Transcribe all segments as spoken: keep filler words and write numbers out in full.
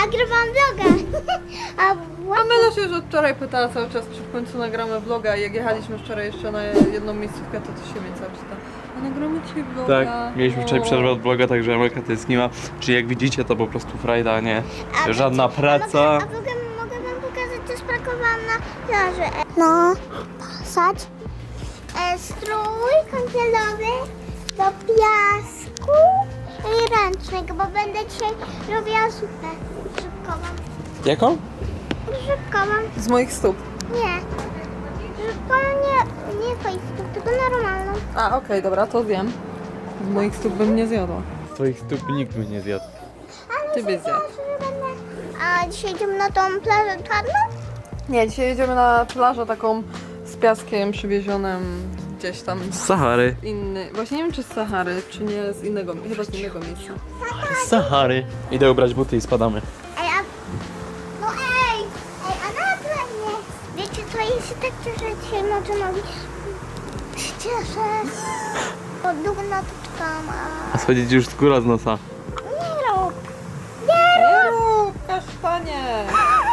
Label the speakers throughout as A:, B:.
A: nagrywam vloga. A
B: A Mela się już od wczoraj pytała cały czas, czy w końcu nagramy vloga. Jak jechaliśmy wczoraj jeszcze na jedną miejscówkę, to to się mnie cały czas pyta. A nagramy dzisiaj vloga?
C: Tak, mieliśmy wczoraj przerwę od vloga, także Amelka to jest nie ma. Czyli jak widzicie, to po prostu frajda, nie?
A: A
C: Żadna
A: wiecie,
C: praca.
A: A mogę, a mogę, mogę wam pokazać, co sprakowałam na plaży. No, pasać. E, strój kąpielowy do piasku i ręcznego, bo będę dzisiaj robiła zupę grzybkową.
C: Jaką?
A: Grzybkową.
B: Z moich stóp.
A: Nie. Grzybkową nie, nie fejstuk, tylko normalną.
B: A, okej, dobra, to wiem. Z moich stóp bym nie zjadła.
C: Twoich stóp nikt by nie zjadł.
A: Ale
B: Ty byś zjadł.
A: że będę... A dzisiaj idziemy na tą plażę czarną?
B: Nie, dzisiaj jedziemy na plażę taką z piaskiem przywiezionym gdzieś tam.
C: Z Sahary.
B: Inny. Właśnie nie wiem, czy z Sahary, czy nie z innego, chyba z innego miejsca.
C: Z Sahary. Idę ubrać buty i spadamy.
A: Ej, a... No ej! Ej, a nagle mnie! Wiecie co, ja się tak cieszę dzisiaj, może mówić. Się cieszę. Bo długo na to czekam, a...
C: A schodzić już skóra z nosa.
A: Nie rób! Nie
B: Nie rób, kasztanie!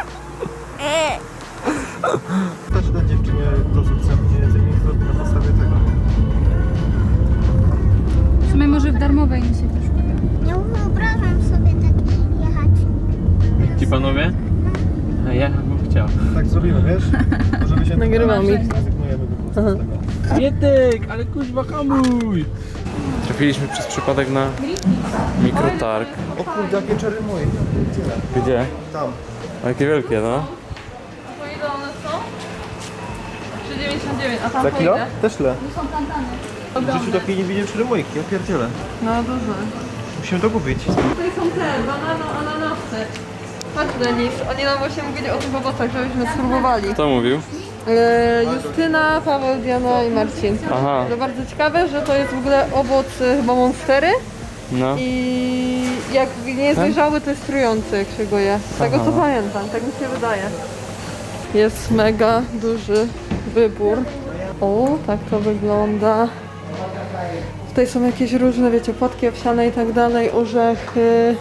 D: Też na dziewczynie dorzucę mniej więcej na podstawie tego.
E: W sumie może w darmowej mi się też uda.
A: Nie wyobrażam sobie tak jechać.
C: Ci panowie? A ja bym chciał.
D: Tak zrobimy, wiesz? Możemy się
B: Nagrywam ich.
D: zrezygnujemy po prostu z tego.
C: Mietek, ale kuźwa hamuj! Trafiliśmy przez przypadek na mikrotarg.
D: O kurde, jakie czery moje.
C: Gdzie?
D: Tam.
C: O, jakie wielkie, no.
B: Po ile one są? trzy dziewięćdziesiąt dziewięć, a tam
D: Za
B: po
D: kilo?
B: ile?
D: Też le. W życiu takiej nie widziałem czery mojki, ja pierdzielę.
B: No duże.
D: Musimy to kupić.
B: Tutaj są te, banano, ananasy. Patrz Denis, oni nam właśnie mówili o tych owocach, żebyśmy spróbowali.
C: Kto mówił?
B: E, Justyna, Paweł, Diana i Marcin.
C: Aha.
B: To bardzo ciekawe, że to jest w ogóle owoc y, chyba monstery
C: No.
B: i jak nie jest dojrzały, to jest trujący, jak się go je. Z tego co
C: Aha.
B: pamiętam, tak mi się wydaje. Jest mega duży wybór. O, tak to wygląda. Tutaj są jakieś różne, wiecie, płatki owsiane i tak dalej, orzechy.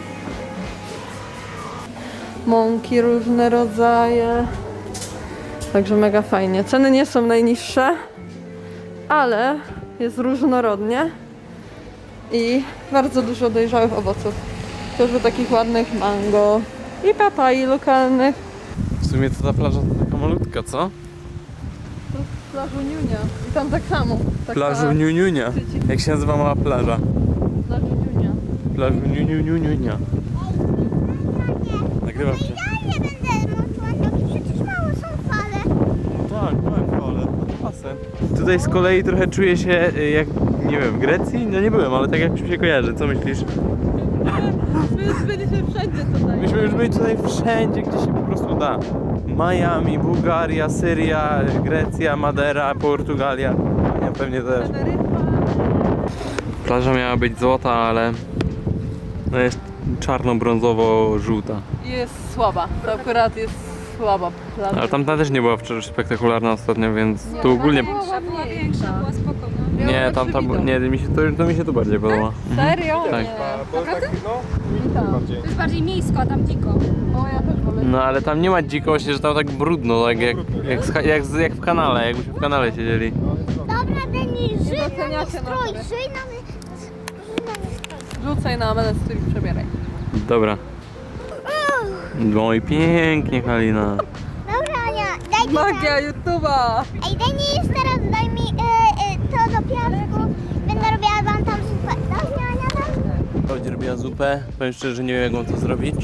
B: Mąki różne rodzaje. Także mega fajnie. Ceny nie są najniższe, ale jest różnorodnie i bardzo dużo dojrzałych owoców. Chociażby takich ładnych mango i papai lokalnych.
C: W sumie to ta plaża to taka malutka, co?
B: Plażu Niunia. I tam tak samo. Taka
C: Plażu Niuniunia. Jak się nazywa mała plaża?
B: Plażu Niunia.
C: Plażu Niuniuniunia. Nagrywam cię.
A: Ja nie będę montować, przecież mało są fale.
C: Tak, tak, ale to basen. Tutaj z kolei trochę czuję się y, jak, nie wiem, w Grecji? No nie byłem, ale tak jak mi się kojarzy. Co myślisz?
B: My już byliśmy wszędzie tutaj.
C: Myśmy już byli tutaj wszędzie, gdzie się po prostu da. Miami, Bułgaria, Syria, Grecja, Madera, Portugalia. Ja pewnie też. Plaża miała być złota, ale no jest czarno-brązowo-żółta.
B: Jest słaba. To akurat jest słaba plaża.
C: Ale tamta też nie była wczoraj spektakularna ostatnio, więc tu ogólnie...
E: Większa, była większa, była spokojna.
B: Miała
C: Nie,
B: lepszy
C: tamta,
B: widok.
C: nie, mi się, to, to mi się tu bardziej podoba.
B: Serio?
C: Tak.
B: Nie.
D: Bo tak, no,
B: Tak.
D: bardziej.
E: To jest bardziej miejsko, a tam dziko.
B: O, ja też wolę.
C: No ale tam nie ma dziko, właśnie, że tam tak brudno, tak jak, jak, z- jak, z- jak w kanale, jakbyśmy w kanale siedzieli.
A: Dobra, Denis, żyj na mnie
B: doceniacie
A: strój,
B: nas.
A: żyj na mnie, żyj na mnie strój.
B: Rzucaj na Amelę strój i przebieraj.
C: Dobra. No i pięknie, Halina.
A: Dobra, Ania, daj mi
B: Magia YouTube'a!
A: Ej, Denis, teraz daj mi e, e, to do piasku. Będę robiła wam tam zupę. Dobrze, Ania, tam?
C: Chodź, robiła zupę. Powiem szczerze, że nie wiem jak mam to zrobić.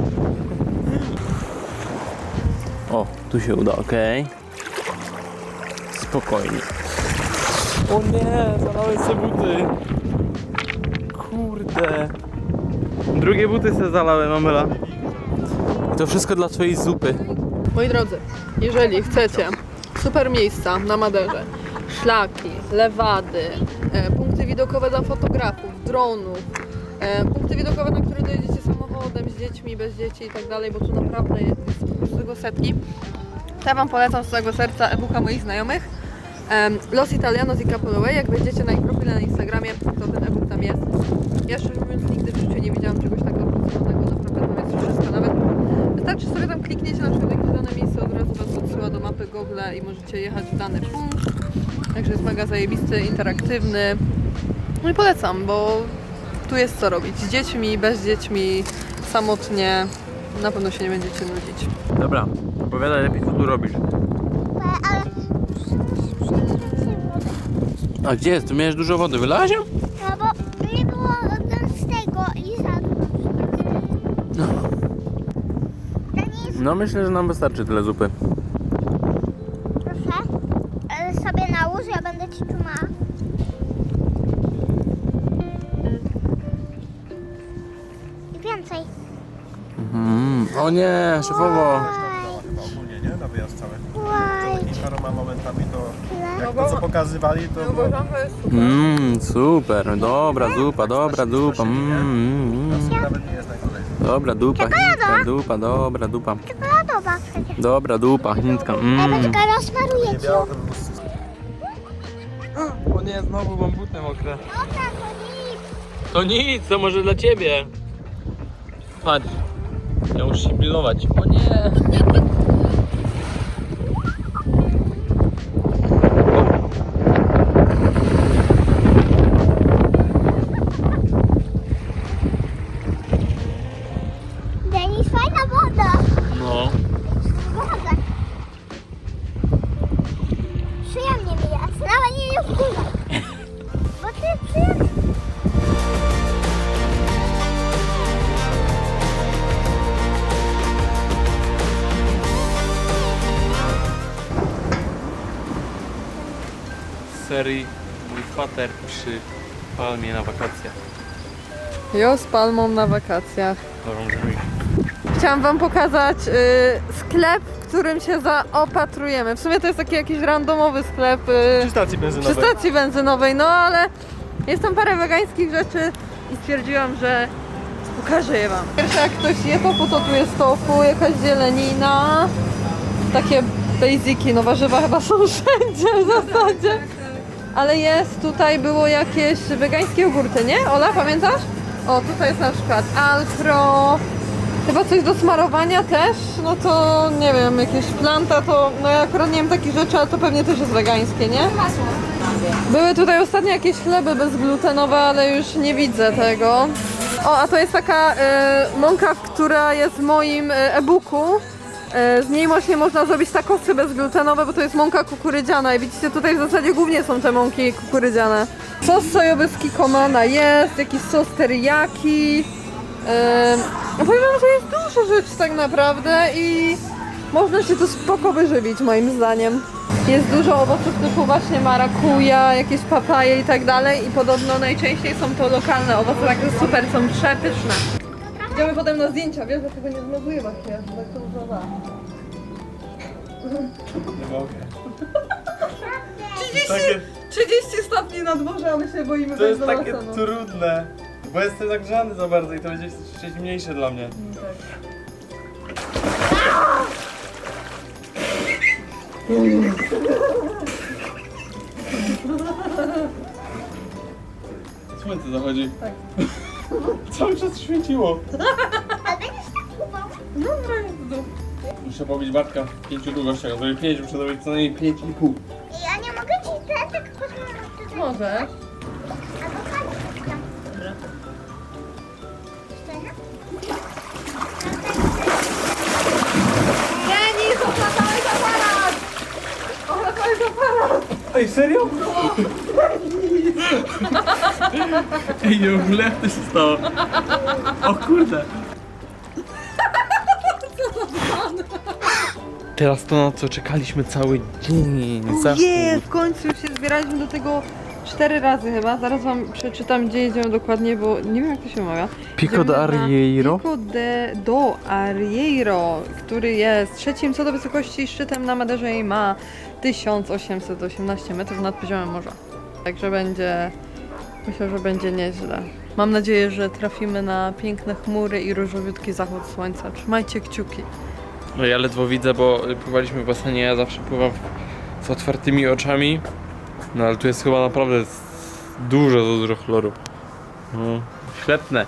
C: O, tu się uda, okej. Spokojnie. O nie, zalałeś sobie buty. Kurde. Drugie buty sobie zalałem, Amela. I to wszystko dla twojej zupy.
B: Moi drodzy, jeżeli chcecie super miejsca na Maderze, szlaki, lewady, e, punkty widokowe dla fotografów, dronów, e, punkty widokowe, na które dojedziecie samochodem, z dziećmi, bez dzieci i tak dalej, bo tu naprawdę jest, jest po prostu tego setki, to ja wam polecam z całego serca e-booka moich znajomych. Um, Los Italianos i Capolue, jak wejdziecie na ich profile na Instagramie, to ten e-book tam jest. Ja szczerze mówiąc nigdy w życiu nie widziałam czegoś tak dopracowanego, naprawdę tam jest wszystko, nawet możecie jechać w dany punkt. Także jest mega zajebisty, interaktywny. No i polecam, bo tu jest co robić. Z dziećmi, bez dziećmi, samotnie. Na pewno się nie będziecie nudzić.
C: Dobra, opowiadaj lepiej, co tu robisz.
A: Ale
C: A gdzie jest? Tu miałeś dużo wody, wylałaś ją?
A: no bo nie było z tego i zadło.
C: No.
A: Denis,
C: No myślę, że nam wystarczy tyle zupy.
A: proszę, e, sobie nałóż, ja będę ci trzymała. I więcej.
C: Mm. O nie, szefowo.
A: Łaj,
D: Chyba ogólnie, nie? Na wyjazd cały.
A: łaj.
D: Paroma momentami to,
A: Tyle.
D: jak to co pokazywali, to
B: No
D: było...
B: uważam, że jest super.
C: Mmm, super, dobra zupa, dobra dupa. Mm, mm, mm.
D: Nawet nie jest najgorzej.
C: Dobra dupa, chińska dupa, dobra dupa.
A: Czekoladowa przecież.
C: Dobra dupa, chińska.
A: Ej,
C: Mm.
A: poczekaj, rozmaruję
D: Nie
A: ci.
D: biało, to by było...
C: O nie, znowu mam buty mokre.
A: Dobra, to nic.
C: To nic, to może dla ciebie. Patrz, ja muszę się pilnować. O nie.
A: Denis, fajna woda.
C: No.
A: Woda. Przyjemnie mi jest, nawet nie jest dużo. Bo ty przyjemnie.
C: Z serii mój fater przy palmie na wakacjach.
B: Jo z palmą na wakacjach.
C: Dobrą brzmi.
B: Chciałam wam pokazać y, sklep, w którym się zaopatrujemy. W sumie to jest taki jakiś randomowy sklep y,
D: Przy stacji
B: przy
D: benzynowej.
B: stacji benzynowej, no ale jest tam parę wegańskich rzeczy i stwierdziłam, że pokażę je wam. Pierwsze jak ktoś je tofu, to tu jest tofu, jakaś zielenina, takie basiki, no warzywa chyba są wszędzie w zasadzie. Ale jest, tutaj było jakieś wegańskie jogurty, nie? Ola, pamiętasz? O, tutaj jest na przykład Alpro, chyba coś do smarowania też, no to nie wiem, jakieś planta, to no ja akurat nie wiem takich rzeczy, ale to pewnie też jest wegańskie, nie? Były tutaj ostatnio jakieś chleby bezglutenowe, ale już nie widzę tego. O, a to jest taka e, mąka, która jest w moim e, e-booku. E, z niej właśnie można zrobić takosy bezglutenowe, bo to jest mąka kukurydziana i widzicie, tutaj w zasadzie głównie są te mąki kukurydziane. Sos sojowy z kikomana jest, jakiś sos teriyaki. E, no powiem wam, że jest dużo rzeczy tak naprawdę i można się tu spoko wyżywić moim zdaniem. Jest dużo owoców typu właśnie marakuja, jakieś papaje i tak dalej i podobno najczęściej są to lokalne owoce, także super, są przepyszne. Idziemy potem na zdjęcia, wiesz, że tego nie zmazuję właśnie, tak to używa.
C: Nie mogę.
B: trzydzieści, trzydzieści stopni na dworze, a my się boimy
C: To jest
B: wejść do
C: takie
B: basenu.
C: trudne, bo jestem zagrzany za bardzo i to będzie jeszcze mniejsze dla mnie. Słońce zachodzi.
B: Tak.
C: Cały czas świeciło.
A: A będziesz tak kubał?
B: Dobra, jest w dół.
C: Muszę pobić Bartka w pięciu długościach. Zrobię pięć, muszę zrobić co najmniej pięć i pół.
A: Ja nie mogę ci ten tak pozwolić tutaj.
B: Może.
A: Albo chodź tam.
B: Dobra.
A: Jeszcze jedna?
B: Denis, oplatałeś aparat! Oplatałeś aparat!
C: Ej, serio? Ej, nie ogóle jak to się stało? O kurde. Teraz to, na co czekaliśmy cały dzień. Zachód.
B: Nie, w końcu już się zbieraliśmy do tego cztery razy chyba. Zaraz wam przeczytam, gdzie jedziemy dokładnie, bo nie wiem jak to się mawia.
C: Pico
B: Jedziemy
C: de
B: na
C: Arrieiro?
B: Pico de do Arrieiro, który jest trzecim co do wysokości szczytem na Maderze i ma tysiąc osiemset osiemnaście metrów nad poziomem morza. Także będzie, myślę, że będzie nieźle. Mam nadzieję, że trafimy na piękne chmury i różowiutki zachód słońca. Trzymajcie kciuki.
C: No ja ledwo widzę, bo pływaliśmy w basenie, ja zawsze pływam z otwartymi oczami. No ale tu jest chyba naprawdę dużo, dużo chloru. No, świetne.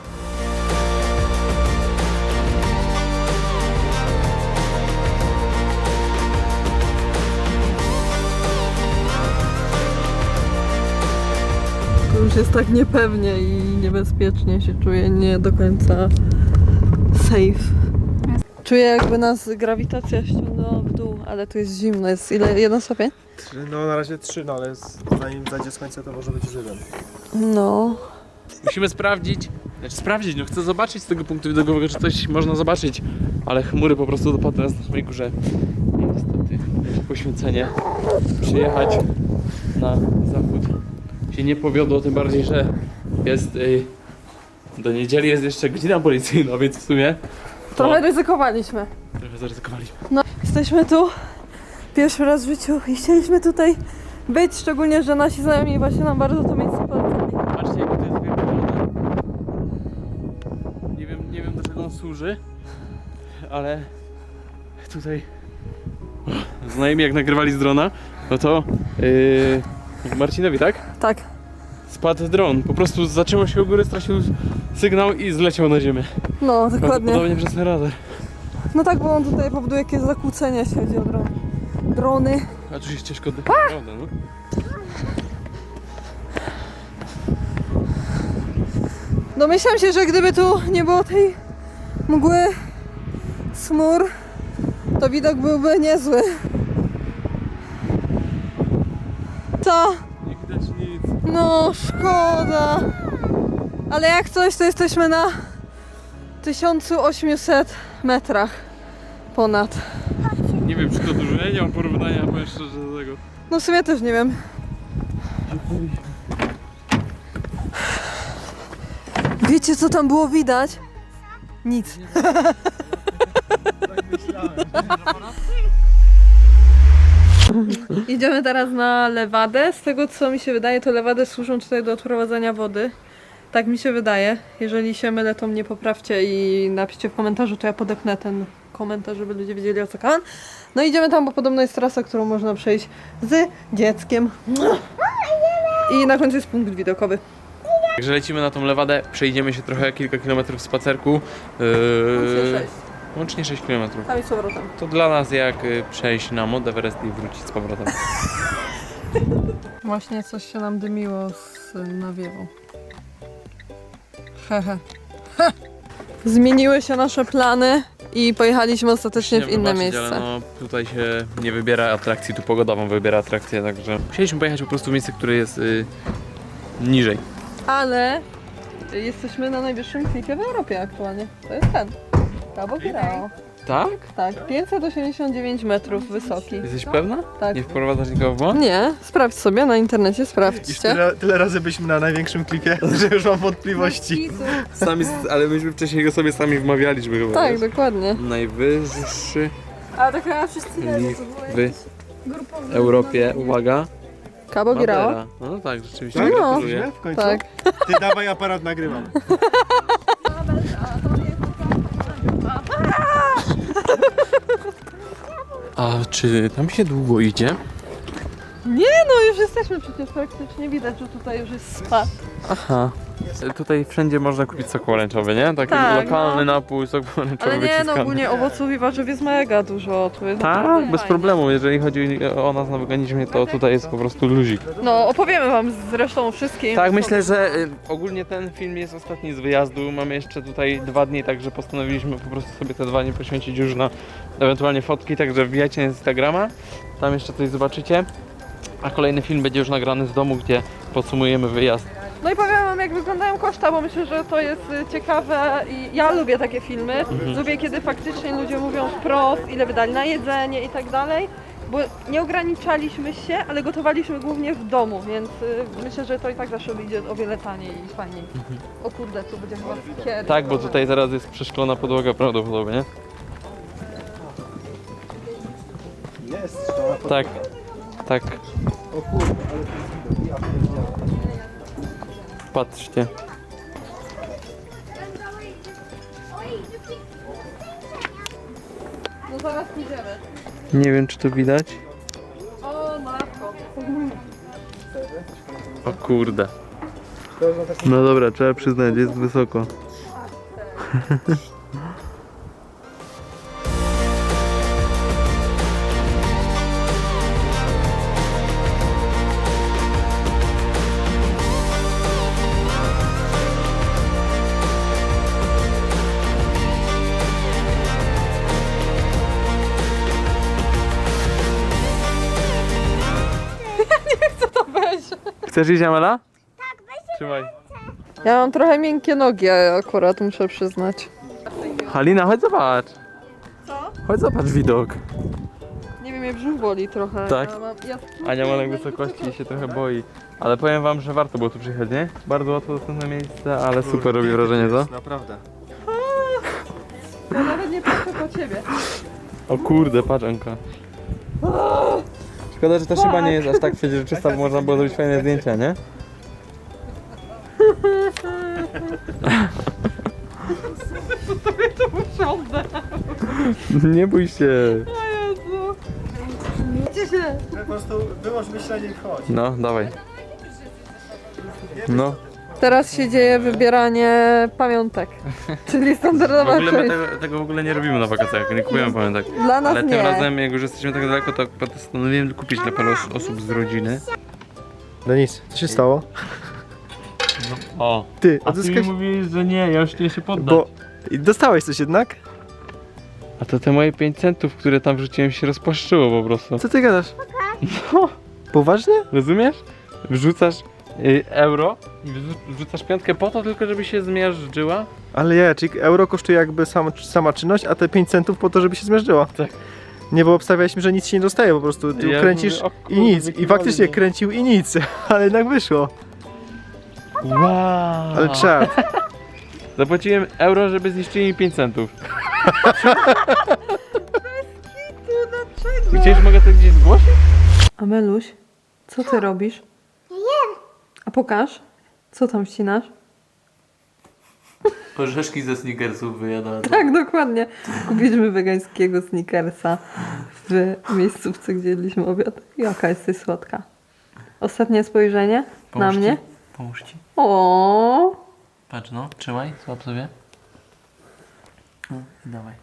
B: już jest tak niepewnie i niebezpiecznie się czuję, nie do końca safe. Czuję, jakby nas grawitacja ściągnęła w dół, ale tu jest zimno. Jest ile? Jeden stopień?
D: Trzy, no na razie trzy, no ale z- zanim zajdzie słońce to może być już jeden.
B: No.
C: Musimy sprawdzić, znaczy sprawdzić, no chcę zobaczyć z tego punktu widokowego, czy coś można zobaczyć, ale chmury po prostu dopadły nas na samej górze. I niestety poświęcenie przyjechać na zachód się nie powiodło, tym bardziej, że jest y, do niedzieli jest jeszcze godzina policyjna, więc w sumie
B: Trochę ryzykowaliśmy.
C: trochę zaryzykowaliśmy.
B: No, jesteśmy tu pierwszy raz w życiu i chcieliśmy tutaj być, szczególnie, że nasi znajomi właśnie nam bardzo to miejsce polecili.
C: Patrzcie, jaki to jest wielki woda. Nie wiem, nie wiem do czego on służy, ale tutaj znajomi jak nagrywali z drona, no to yy, Marcinowi, tak?
B: Tak.
C: Spadł dron, po prostu zaczęło się u góry, stracił sygnał i zleciał na ziemię.
B: No, dokładnie.
C: Prawdopodobnie przez ten radar.
B: No tak, bo on tutaj powoduje jakieś zakłócenia, jeśli chodzi o dron. Drony.
C: A tu się ścieżka oddycha, prawda, no?
B: Domyślam się, że gdyby tu nie było tej mgły, smur, to widok byłby niezły. Co?
C: Nie widać nic.
B: No, szkoda. Ale jak coś, to jesteśmy na tysiąc osiemset metrach ponad.
C: Nie wiem, czy to dużo, ja nie mam porównania, powiem szczerze, do tego.
B: No w sumie też nie wiem. Wiecie, co tam było widać? Nic. Idziemy teraz na lewadę. Z tego, co mi się wydaje, to lewady służą tutaj do odprowadzania wody. Tak mi się wydaje. Jeżeli się mylę, to mnie poprawcie i napiszcie w komentarzu, to ja podepnę ten komentarz, żeby ludzie wiedzieli, o co kaman. No idziemy tam, bo podobno jest trasa, którą można przejść z dzieckiem. I na końcu jest punkt widokowy.
C: Także lecimy na tą lewadę, przejdziemy się trochę kilka kilometrów spacerku.
B: Łącznie
C: Yy,
B: sześć.
C: łącznie sześć kilometrów.
B: Tam i z powrotem.
C: To dla nas jak y, przejść na Mount Everest i wrócić z powrotem.
B: Właśnie coś się nam dymiło z nawiewą. Hehe. Ha! Zmieniły się nasze plany i pojechaliśmy ostatecznie w
C: Nie
B: inne
C: wybaczyć,
B: miejsce.
C: Ale no, tutaj się nie wybiera atrakcji, tu pogoda wam wybiera atrakcję, także musieliśmy pojechać po prostu w miejsce, które jest y, niżej.
B: Ale jesteśmy na najwyższym klifie w Europie aktualnie. To jest ten. Cabo Girao.
C: Tak?
B: Tak, pięćset osiemdziesiąt dziewięć metrów wysoki.
C: Jesteś pewna?
B: Tak.
C: Nie wprowadzasz nikogo w błąd?
B: Nie, sprawdź sobie na internecie,
D: Już
B: sprawdźcie.
D: tyle, tyle razy byliśmy na największym klipie, że już mam wątpliwości.
C: Sami, ale myśmy wcześniej go sobie sami wmawialiśmy chyba.
B: Tak,
C: wiesz?
B: dokładnie.
C: Najwyższy
E: Ale tak chyba wszyscy
C: klif w Europie, uwaga,
B: Cabo Girao.
C: Madeira. No tak, rzeczywiście.
D: Tak?
B: No.
C: Gratuluję.
D: W końcu?
B: Tak.
D: Ty dawaj aparat, nagrywam.
C: A czy tam się długo idzie?
B: Nie no, już jesteśmy przecież praktycznie, widać, że tutaj już jest spa.
C: Aha. Tutaj wszędzie można kupić sok pomarańczowy, nie? Taki
B: Tak,
C: lokalny
B: no.
C: napój, sok pomarańczowy
B: Ale nie, no
C: wyciskany.
B: ogólnie owoców i warzyw jest mega dużo. Tu jest
C: Tak,
B: naprawdę
C: bez
B: fajnie.
C: problemu. Jeżeli chodzi o nas na weganizmie, to tutaj jest po prostu luzik.
B: No, opowiemy wam zresztą o wszystkim.
C: Tak, myślę, że y, ogólnie ten film jest ostatni z wyjazdu. Mamy jeszcze tutaj dwa dni, także postanowiliśmy po prostu sobie te dwa dni poświęcić już na ewentualnie fotki, także wbijajcie na Instagrama. Tam jeszcze coś zobaczycie. A kolejny film będzie już nagrany z domu, gdzie podsumujemy wyjazd.
B: No i powiem wam, jak wyglądają koszta, bo myślę, że to jest y, ciekawe i ja lubię takie filmy.
C: Mhm.
B: Lubię, kiedy faktycznie ludzie mówią wprost, ile wydali na jedzenie i tak dalej. Bo nie ograniczaliśmy się, ale gotowaliśmy głównie w domu, więc y, myślę, że to i tak zawsze wyjdzie o wiele taniej i fajniej. O kurde, tu będzie chyba kier.
C: Mhm. Tak, bo tutaj zaraz jest przeszklona podłoga prawdopodobnie.
D: Jest, trzeba pod...
C: Tak, tak.
D: O kurde, ale to jest widok. Ja pierdzielę.
C: Patrzcie.
B: No zaraz pójdziemy.
C: Nie wiem, czy to widać.
B: O, matko.
C: O kurde.
D: To jest na takim...
C: No dobra, trzeba przyznać, jest wysoko. Chcesz iść, Amela?
A: Tak, weź
C: Trzymaj.
B: Ja mam trochę miękkie nogi, akurat muszę przyznać.
C: Halina, chodź zobacz.
B: Co?
C: Chodź zobacz widok.
B: Nie wiem, mnie brzuch boli trochę.
C: Tak?
B: Ja mam, ja...
C: Ania ma lęk wysokości i się trochę boi. Ale powiem wam, że warto było tu przyjechać, nie? Bardzo łatwo dostępne miejsce, ale super robi wrażenie, co?
D: Naprawdę.
B: ja nawet nie patrzę po ciebie.
C: O kurde, patrz Anka. Szkoda, że ta szyba nie jest aż tak przeźroczysta, bo można było zrobić fajne zdjęcia, nie? Nie bój się.
B: Gdzie się?
D: Po prostu wyłącz myślenie i chodź.
C: No, dawaj. No.
B: Teraz się dzieje wybieranie pamiątek. Czyli
C: W
B: standardowa
C: ogóle my
B: część.
C: tego, tego w ogóle nie robimy na wakacjach, nie kupujemy pamiętak.
B: Dla nas
C: Ale tym
B: nie.
C: razem, jak już jesteśmy tak daleko, to postanowiłem kupić dla paru os- osób z rodziny.
D: Denis, co się stało?
C: O.
D: Ty,
C: A ty mi
D: odzyskałeś...
C: mówisz, że nie, ja już nie się poddam.
D: Bo... I dostałeś coś jednak?
C: A to te moje pięć centów, które tam wrzuciłem, się rozpłaszczyło po prostu.
D: Co ty gadasz?
C: No,
D: Poważnie?
C: rozumiesz? Wrzucasz y, euro i wrzu- wrzucasz piątkę po to tylko, żeby się zmiażdżyła.
D: Ale ja, czyli euro kosztuje jakby sam, sama czynność, a te pięć centów po to, żeby się zmierzyło.
C: Tak.
D: Nie, bo obstawialiśmy, że nic się nie dostaje, po prostu ty
C: Ja
D: kręcisz
C: mówię, o
D: i
C: kurde,
D: nic.
C: jaki
D: I faktycznie
C: wolny.
D: kręcił i nic, ale jednak wyszło.
C: Wow.
D: Ale czad.
C: Zapłaciłem euro, żeby zniszczyli mi pięć centów. Gdzieś mogę to gdzieś zgłosić?
B: Ameluś, co ty robisz? A pokaż, co tam wcinasz?
C: Orzeszki ze Snickersów wyjadałem.
B: Tak, dokładnie. Kupiliśmy wegańskiego Snickersa w miejscówce, gdzie jedliśmy obiad. Jaka jesteś słodka. Ostatnie spojrzenie na mnie.
C: Pomóż ci.
B: O,
C: Patrz no, trzymaj, złap sobie. No i dawaj.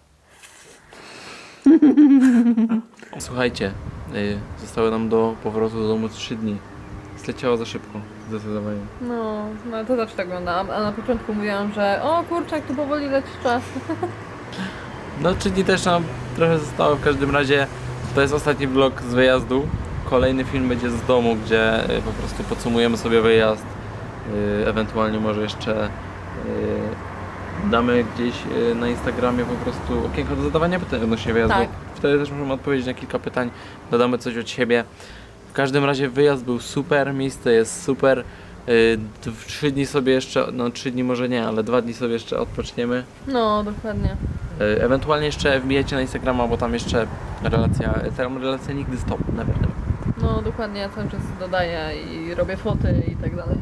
C: Słuchajcie, y, zostały nam do powrotu do domu trzy dni. Zleciało za szybko, zdecydowanie.
B: No, no to zawsze tak oglądałam, a na początku mówiłam, że o kurczak, tu powoli leci czas.
C: No trzy dni też nam trochę zostało, w każdym razie to jest ostatni vlog z wyjazdu. Kolejny film będzie z domu, gdzie y, po prostu podsumujemy sobie wyjazd. Y, ewentualnie może jeszcze y, damy gdzieś y, na Instagramie po prostu okienko do zadawania pytań odnośnie wyjazdu.
B: Tak.
C: Wtedy też możemy odpowiedzieć na kilka pytań, dodamy coś od siebie. W każdym razie wyjazd był super, miejsce jest super. Y, d- Trzy dni sobie jeszcze, no trzy dni może nie, ale dwa dni sobie jeszcze odpoczniemy.
B: No, dokładnie.
C: Y, Ewentualnie jeszcze wbijajcie na Instagrama, bo tam jeszcze relacja, tam relacja nigdy stop, never, never.
B: No, dokładnie, ja cały czas dodaję i robię foty i tak dalej.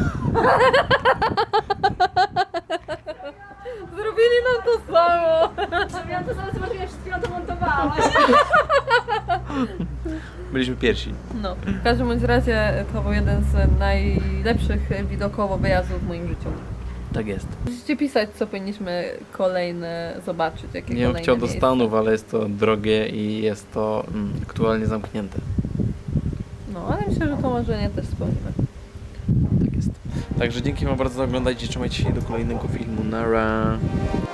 B: Zrobili nam to samo!
E: Ja to zaraz zobaczymy, jak przed chwilą to montowałaś.
C: Byliśmy pierwsi.
B: No, w każdym bądź razie to był jeden z najlepszych widokowo wyjazdów w moim życiu.
C: Tak jest.
B: Musicie pisać, co powinniśmy kolejne zobaczyć, jakie
C: Nie bym
B: kolejne
C: chciał do
B: miejsca.
C: Stanów, ale jest to drogie i jest to mm, aktualnie zamknięte.
B: No, ale myślę, że to marzenie też spełnimy.
C: Tak jest. Także dzięki wam bardzo za oglądajcie, trzymajcie się do kolejnego filmu. Nara.